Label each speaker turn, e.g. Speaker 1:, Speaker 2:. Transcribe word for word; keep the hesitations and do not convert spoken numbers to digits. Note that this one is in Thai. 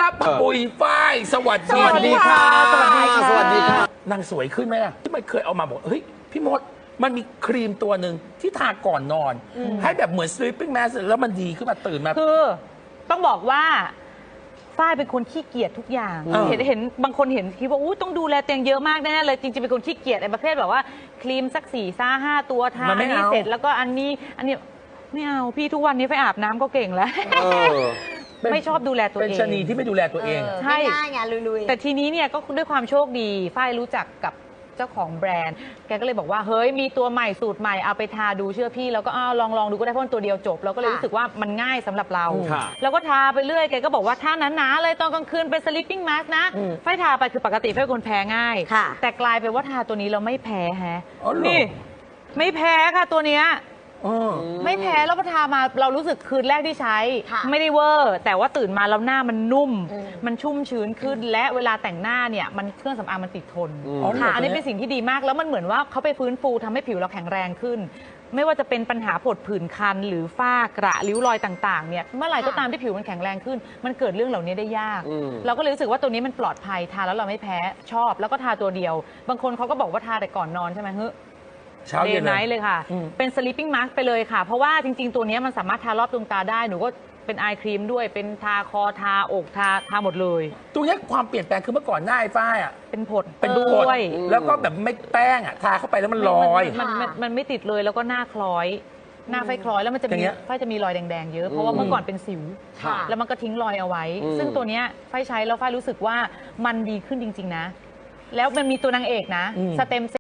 Speaker 1: ครับปุยฝ้ายสวัสดี
Speaker 2: สวัสดีค่ะสวัสดีค่ะ
Speaker 3: สวัสดีค่ะ
Speaker 1: นางสวยขึ้นไหมล่ะที่มันเคยเอามาบอกเฮ้ยพี่มดมันมีครีมตัวหนึ่งที่ทาก่อนนอน ให้แบบเหมือน sleeping mask แล้วมันดีขึ้นมาตื่นมา
Speaker 2: คือต้องบอกว่าฝ้ายเป็นคนขี้เกียจทุกอย่าง
Speaker 1: เออ
Speaker 2: เห็นเห็นบางคนเห็นคิดว่าอู้ต้องดูแลเตียงเยอะมากแน่ๆเลยจริงๆเป็นคนขี้เกียจไอ้ประเภทแบบว่าครีมสักสี่ซ่าห้าตัวทา
Speaker 1: มัน
Speaker 2: อั
Speaker 1: ไม่
Speaker 2: นนี้
Speaker 1: เอา
Speaker 2: เสร็จแล้วก็อันนี้อันนี้ไม่เอาพี่ทุกวันนี้ไปอาบน้ำก็เก่งแล้ว
Speaker 3: เออ
Speaker 2: ไม่ชอบดูแลตัว
Speaker 1: เป็น
Speaker 2: เอง
Speaker 1: ชะนีที่ไม่ดูแลตัวเอง
Speaker 2: ใช่
Speaker 4: ง่ายๆไงลุยๆ
Speaker 2: แต่ทีนี้เนี่ยก็ด้วยความโชคดีฝ้ายรู้จักกับเจ้าของแบรนด์ แกก็เลยบอกว่าเฮ้ยมีตัวใหม่สูตรใหม่เอาไปทาดูเชื่อพี่แล้วก็อ้าวลองลองดูก็ได้เพราะมันตัวเดียวจบเราก็เลย
Speaker 4: ค่ะ
Speaker 2: รู้สึกว่ามันง่ายสำหรับเรา
Speaker 3: ค่ะ
Speaker 2: แล้วก็ทาไปเรื่อยแกก็บอกว่าทาหนาๆเลยตอนกลางคืนเป็น sleeping mask นะฝ้ายทาไปคือปกติฝ้ายเป็นคนแพ้ง่าย
Speaker 4: ค่ะ
Speaker 2: แต่กลายเป็นว่าทาตัวนี้เราไม่แพ้แฮะ
Speaker 1: อ๋อเหรอ
Speaker 2: นี่ไม่แพ้ค่ะตัวเนี้ย
Speaker 1: เออ
Speaker 2: ไม่แพ้แล้วพอทามาเรารู้สึกคืนแรกที่ใช้
Speaker 4: ค่ะ
Speaker 2: ไม่ได้เวอร์แต่ว่าตื่นมาแล้วหน้ามันนุ่ม
Speaker 4: อืม
Speaker 2: มันชุ่มชื้นขึ้นและเวลาแต่งหน้าเนี่ยมันเครื่องสำอางมันติดทน
Speaker 3: อืม
Speaker 1: อ๋อเหรอ
Speaker 2: ค่ะอันนี้เป็นสิ่งที่ดีมากแล้วมันเหมือนว่าเขาไปฟื้นฟูทำให้ผิวเราแข็งแรงขึ้น ไม่ว่าจะเป็นปัญหาผดผื่นคัน หรือฝ้ากระริ้วรอยต่างๆเนี่ยเมื่อไหร่ก็ตามที่ผิวมันแข็งแรงขึ้น มันเกิดเรื่องเหล่านี้ได้ยาก
Speaker 3: อืม
Speaker 2: เราก็เลยรู้สึกว่าตัวนี้มันปลอดภัยทาแล้วเราไม่แพ้ชอบ แล้วก็ทาตัวเดียว บางคนเขาก็บอกว่าทาแต่ก่อนนอนใช่ไหมเฮ้ย
Speaker 1: เช้า
Speaker 2: เด
Speaker 1: เย็น
Speaker 2: ย์ไน
Speaker 1: เลย
Speaker 2: ท์เลยค่ะ
Speaker 1: อืม
Speaker 2: เป็น sleeping mask ไปเลยค่ะ เพราะว่าจริง ๆ ตัวนี้มันสามารถทารอบดวงตาได้ หนูก็เป็นไอครีมด้วย เป็นทาคอ ทาอกทาทาหมดเลย
Speaker 1: ตรงเนี้ยความเปลี่ยนแปลงคือเมื่อก่อนหน้าไอ้ฝ้ายอ่ะ
Speaker 2: เป็นผด
Speaker 1: เป็น
Speaker 2: ด้
Speaker 1: ผด
Speaker 2: วย
Speaker 1: แล้วก็แบบไม่แป้งอ่ะทาเข้าไปแล้วมันลอย
Speaker 2: มันมันมันมันไม่ติดเลยแล้วก็หน้าคล้อย หน้าไฟคล้อยแล้วมันจะ
Speaker 1: อย่า
Speaker 2: มี
Speaker 1: งเงี้ย
Speaker 2: ไฟจะมีรอยแดงๆเยอะ เพราะว่าเมื่อก่อนเป็นสิว
Speaker 4: ค่ะ
Speaker 2: แล้วมันก็ทิ้งรอยเอาไว้
Speaker 3: อืม
Speaker 2: ซึ่งตัวเนี้ยไฟใช้แล้วไฟรู้สึกว่ามันดีขึ้นจริง ๆ นะ แล้วมันมีตัวนางเอกนะ
Speaker 1: อืม
Speaker 2: สเต็ม